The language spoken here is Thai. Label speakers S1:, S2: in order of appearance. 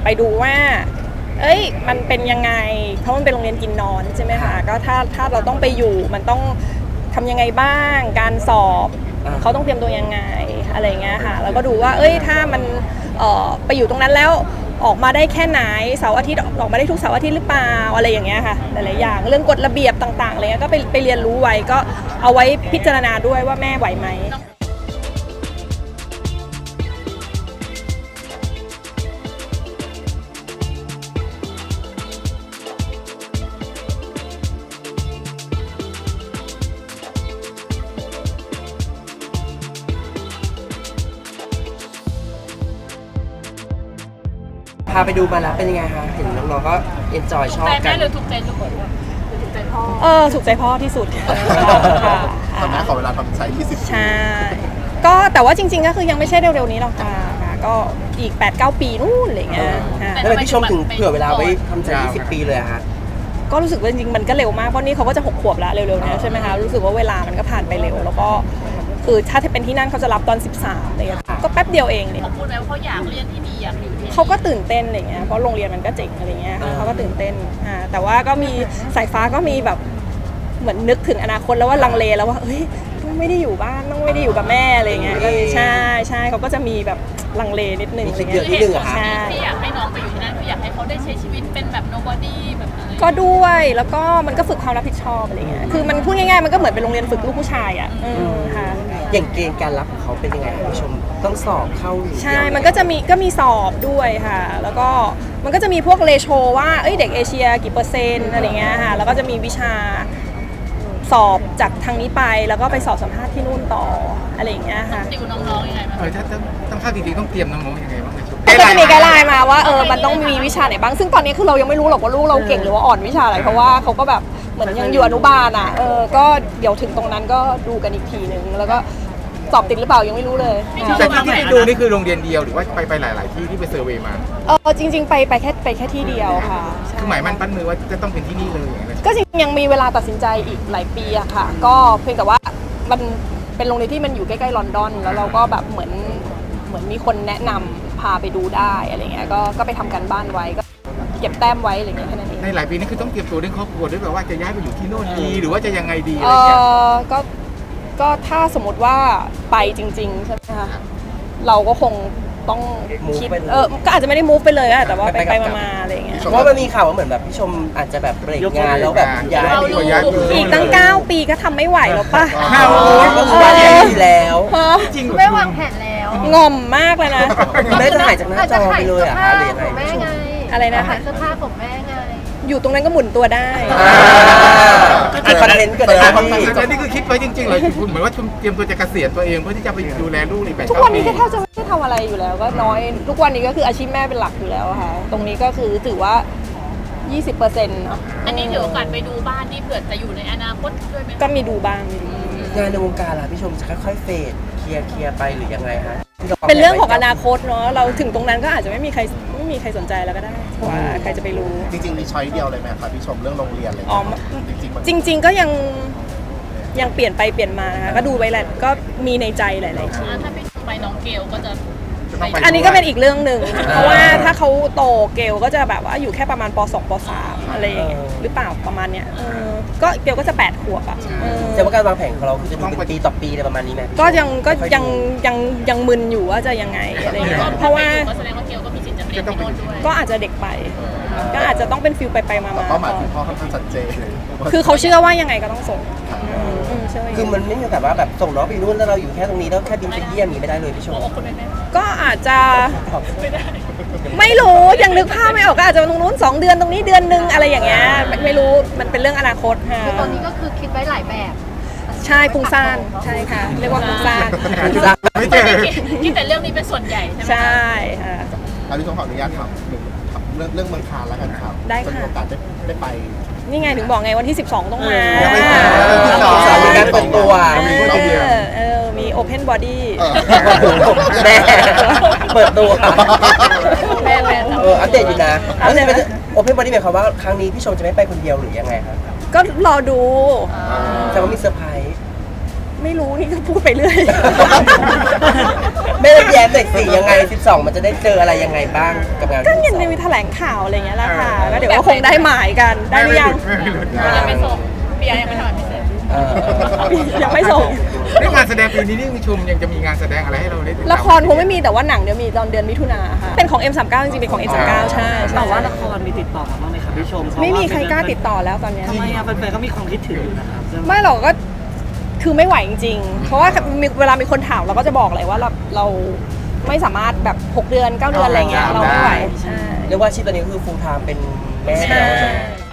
S1: ไปดูว่ามันเป็นยังไงเพราะมันเป็นโรงเรียนกินนอนใช่ไหมคะก็ถ้าเราต้องไปอยู่มันต้องทำยังไงบ้างการสอบเขาต้องเตรียมตัวยังไงอะไรเงี้ยค่ะแล้วก็ดูว่าถ้ามันไปอยู่ตรงนั้นแล้วออกมาได้แค่ไหนเสาร์อาทิตย์ออกมาได้ทุกเสาร์อาทิตย์หรือเปล่าอะไรอย่างเงี้ยค่ะหลายๆอย่างเรื่องกฎระเบียบต่างๆอะไรเงี้ยก็ไปเรียนรู้ไว้ก็เอาไว้พิจารณาด้วยว่าแม่ไหวไหม
S2: พาไปดูมาแล้วเป็นยังไงคะเห็นน้องๆก็เอนจอยชอบกัน
S3: หรือถูกใจลูกหรือถูกใจพ่อ
S1: ถูกใจพ่อที่สุด
S4: แต่แม่ขอเวลาทำใช้20
S1: ใช่ก็แต่ว่าจริงๆก็คือยังไม่ใช่เร็วๆนี้หรอกค่ะก็อีก 8-9 ปีนู่นอะไรเงี้ย
S2: แล้วพี่ชมถึงเผื่อเวลาไว้ทำใจ20 ปีเลยอะคะ
S1: ก็รู้สึกว่าจริงๆมันก็เร็วมากเพราะนี่เขาก็จะ6 ขวบแล้วเร็วๆนี้ใช่ไหมคะรู้สึกว่าเวลามันก็ผ่านไปเร็วแล้วก็คือถ้าเป็นที่นั่นเขาจะรับตอน13อะไรเงี้ยก็แป๊บเดียวเองเนี่ย
S3: เขาพูดไหมว่าเขาอยากเรียนที่นี่อยากอยู่ที่นี่
S1: เขาก็ตื่นเต้นอะไรเงี้ยเพราะโรงเรียนมันก็เจ๋งอะไรเงี้ยเขาก็ตื่นเต้นแต่ว่าก็มีสายฟ้าก็มีแบบเหมือนนึกถึงอนาคตแล้วว่าลังเลแล้วว่าต้องไม่ได้อยู่บ้านต้องไม่ได้อยู่กับแม่อะไรเงี้ยใช่เขาก็จะมีแบบลังเลนิดนึงอะไรเงี้ย
S3: ที่อยากให้น้องไปอยู่ที่นั่นคืออยากให้เขาได้ใช้ชีวิตเป็นแบบ nobody แบบอะไร
S1: ก็ด้วยแล้วก็มันก็ฝึกความรับผิดชอบอะไรเงี้ยคือมันพูดง่ายๆมันก็เหมือนเป็นโรงเรียนฝึกลูกผู้ชายอ่ะค่ะ
S2: อย่างเกณฑ์การรับของเขาเป็นยังไงผู้ชมต้องสอบเข้า
S1: ใช่มันก็มีสอบด้วยค่ะแล้วก็มันก็จะมีพวกเรโชว่าเด็กเอเชียกี่เปอร์เซ็นต์อะไรเงี้ยค่ะแล้วก็จะมีวิชาสอบจากทางนี้ไปแล้วก็ไปสอบสัมภาษณ์ที่นู่นต่ออะไรอย่างเงี้ยค่ะ
S3: ติวน้องๆยังไงบ้าง
S4: ถ้าต้องเข้าจริงๆต้องเตรียมน้องๆยังไงบ้าง
S1: ก็จะมีไกด์ไลน์มาว่ามันต้องมีวิชาไหนบ้างซึ่งตอนนี้คือเรายังไม่รู้หรอกว่าลูกเราเก่งหรือว่าอ่อนวิชาอะไรเพราะว่าเขาก็แบบเหมือนยังอยู่อนุบาลอ่ะก็เดี๋ยวถึงตรงนั้นก็ดูกันอีกทีนึงแล้วก็สอบติดหรือเปล่ายังไม่รู้เลย
S4: แต่ที่ไปดูนี่คือโรงเรียนเดียวหรือว่าไปหลายๆที่ที่ไปเซอร์เวย์มา
S1: จริงๆไปแค่ที่เดียวค่ะ
S4: คือหมายมั่นปั้นมือว่าจะต้องเป็นที่นี่เลย
S1: ก็จริงๆยังมีเวลาตัดสินใจอีกหลายปีอะค่ะก็เพียงแต่ว่ามันเป็นโรงเรียนที่มันอยู่ใกล้ๆลอนดอนแล้วเราก็แบบเหมือนมีคนแนะนำพาไปดูได้อะไรเงี้ยก็ไปทำกันบ้านไว้ก็เก็บแต้มไว้อะไรเงี้ยแค่นั้นเอง
S4: ในหลายปีนี่คือต้องเตรียมตัวเรื่องครอบครัวด้วยแบบว่าจะย้ายไปอยู่ที่โน่นดีหรือว่าจะยังไงดีอะไรเงี้ย
S1: ก็ถ้าสมมติว่าไปจริงๆใช่ไหมคะเราก็คงต้องคิดก็อาจจะไม่ได้ move ไปเลยอะแต่ว่าไปมาอะไรเงี้ย
S2: เพราะมันมีข่าวว่าเหมือนแบบพี่ชมอาจจะแบบเบรกงานแล้วแบบย้าย
S1: อีกตั้ง9 ปีก็ทำไม่ไหวแล้วป่ะ
S2: ก็คือว่าอย่างนี้แล้ว
S3: จริงไม่วางแผนแล้ว
S1: งอมมากเลยนะ
S2: แม่จะหายจากหน้าจอไปเลยอะคะหรือยังไง
S1: อะไรนะคะ
S3: เสื้อผ้าของแม่ไง
S1: อยู่ตรงนั้นก็หมุนตัวได้
S2: คอนเทนต์เกิด
S4: อะไรนี่คือคิดไว้จริงๆเลยคุณเหมือนว่าเตรียมตัวจะเกษียณตัวเองเพื่อที่จะไปดูแลลูกอีก8 ปี
S1: ทุกวันนี้แทบจะไม่ได้ทำอะไรอยู่แล้วก็น้อยทุกวันนี้ก็คืออาชีพแม่เป็นหลักอยู่แล้วค่ะตรงนี้ก็คือถือว่า 20%เนาะ
S3: อันนี้ถือโอกาสไปดูบ้านที่เผื่อจะอยู่ในอนาคตด้วยไหม
S1: ก็มีดูบ้าง
S2: งานในวงการล่ะพี่ชมจะค่อยๆเฟดเคลียร์ไปหรือยังไงฮะ
S1: เป็นเรื่องของอนาคตเนาะเราถึงตรงนั้นก็อาจจะไม่มีใครสนใจแล้วก็ได้ว่าใครจะไปรู้
S4: จริงๆมีช้อยเดียวเลยไหมครับพี่ชมเรื่องโรงเรียนอะไร
S1: จริงก็ยังเปลี่ยนไปเปลี่ยนมานะคะก็ดูไว้แหละก็มีในใจหลายๆที่
S3: ถ้าพี่ไปน้องเกลก็จะ
S1: อันนี้ก็เป็นอีกเรื่องหนึ่งเพราะว่าถ้าเขาโตเกลก็จะแบบว่าอยู่แค่ประมาณป.2 ป.3 อะไรหรือเปล่าประมาณเนี้ยก็เกลก็จะ8 ขวบอ่ะ
S2: แต่ว่าการวางแผนของเราคือจะดูเป็นปีต่อปีอะไรประมาณนี้ไหม
S1: ก็ยังมึนอยู่ว่าจะยังไงอะไรเงี้ยเพราะว่า
S3: แสดงว่าเกลก็มีสิทธิ์จะเรียนที่โน่นด้วย
S1: ก็อาจจะเด็กไปก็อาจจะต้องเป็นฟิลไปมา
S4: เป้าหมายของพ่อค่อนข้างชัดเจน
S1: คือเขาเชื่อว่ายังไงก็ต้องส่ง
S2: คือมันไม่มีแต่ว่าแบบส่งน้องไปนู่นแล้วเราอยู่แค่ตรงนี้แล้วแค่บินไปเยี่ยมนี้ไม่ได้เลยพี่ชม
S1: ก็อาจจะไม่รู้ยังนึกภาพไม่ออกก็อาจจะตรงนู้น2 เดือนตรงนี้เดือนนึงอะไรอย่างเงี้ยไม่รู้มันเป็นเรื่องอนาคตค่ะ
S3: ตอนนี้ก็คือคิดไว้หลายแบบ
S1: ใช่ฟุ้งซ่านใช่ค่ะเรียกว่าฟุ้งซ่าน
S4: ไม่เจอ
S3: คิดแต่เรื่องนี้เป็นส่วนใหญ่ใช่ไหม
S1: ใช่ค่ะ
S4: พี่ชมขออนุญาตถามเรื่องเมืองคานแล้วกันครับ
S1: ได้ค่ะ
S4: มีโอกาสได้ไป
S1: นี่ไงถึงบอกไงวันที่12ต้องมา
S2: มีการเปิดตัว
S1: มีโอเพนบอดี้
S2: แม่เปิดตัว
S3: แม่
S2: อัปเดตอยู่นะโอเพนบอดี้หมายความว่าครั้งนี้พี่ชมจะไม่ไปคนเดียวหรือยังไงครับ
S1: ก็รอดู
S2: แต่ว่ามีเซอร์ไพรส์
S1: ไไม่รู้นี่ก็พูดไปเรื่อย
S2: ไม่ได้แย้มเด็กสี่ยังไง 12 มันจะได้เจออะไรยังไงบ้างกับงาน
S1: ก็ยังจะมีแถลงข่าวอะไรอย่างเงี้ยแหละค่ะก็เดี๋ยวก็คงได้หมายกันได้หรือยัง
S4: ไม่หลุด
S3: ยังไม่ส่งเบียร์ยังไม่ทำพิเศษ
S1: ยังไม่ส่ง
S4: เรื่องงานแสดงปีนี้นี่ชมยังจะมีงานแสดงอะไรให้เราได้ติดตาม
S1: ละครคงไม่มีแต่ว่าหนังเดี๋ยวมีตอนเดือนมิถุนาค่ะเป็นของ M39 จริงๆเป็นของ M39 ใช่
S5: แต่ว่าละครมีติดต่อมาบ้างไหมครับพี่ชมเพาะว่า
S1: ไม่มีใครกล้าติดต่อแล้วตอนเนี้ย
S5: ทำไมอะแฟนๆก็มีความคิดถึงอยู่นะครับเรื่อง
S1: ไม่หรอกก็คือไม่ไหวจริงๆ เพราะว่าเวลามีคนถามเราก็จะบอกเลยว่าเราไม่สามารถแบบ6 เดือน 9 เดือนอะไรเงี้ยเราไม่ไหวใช่
S2: เรียกว่าอาชีพตอนนี้ก็คือ full time เป็นแม่
S1: ใช่
S2: แล้วใช่ไหม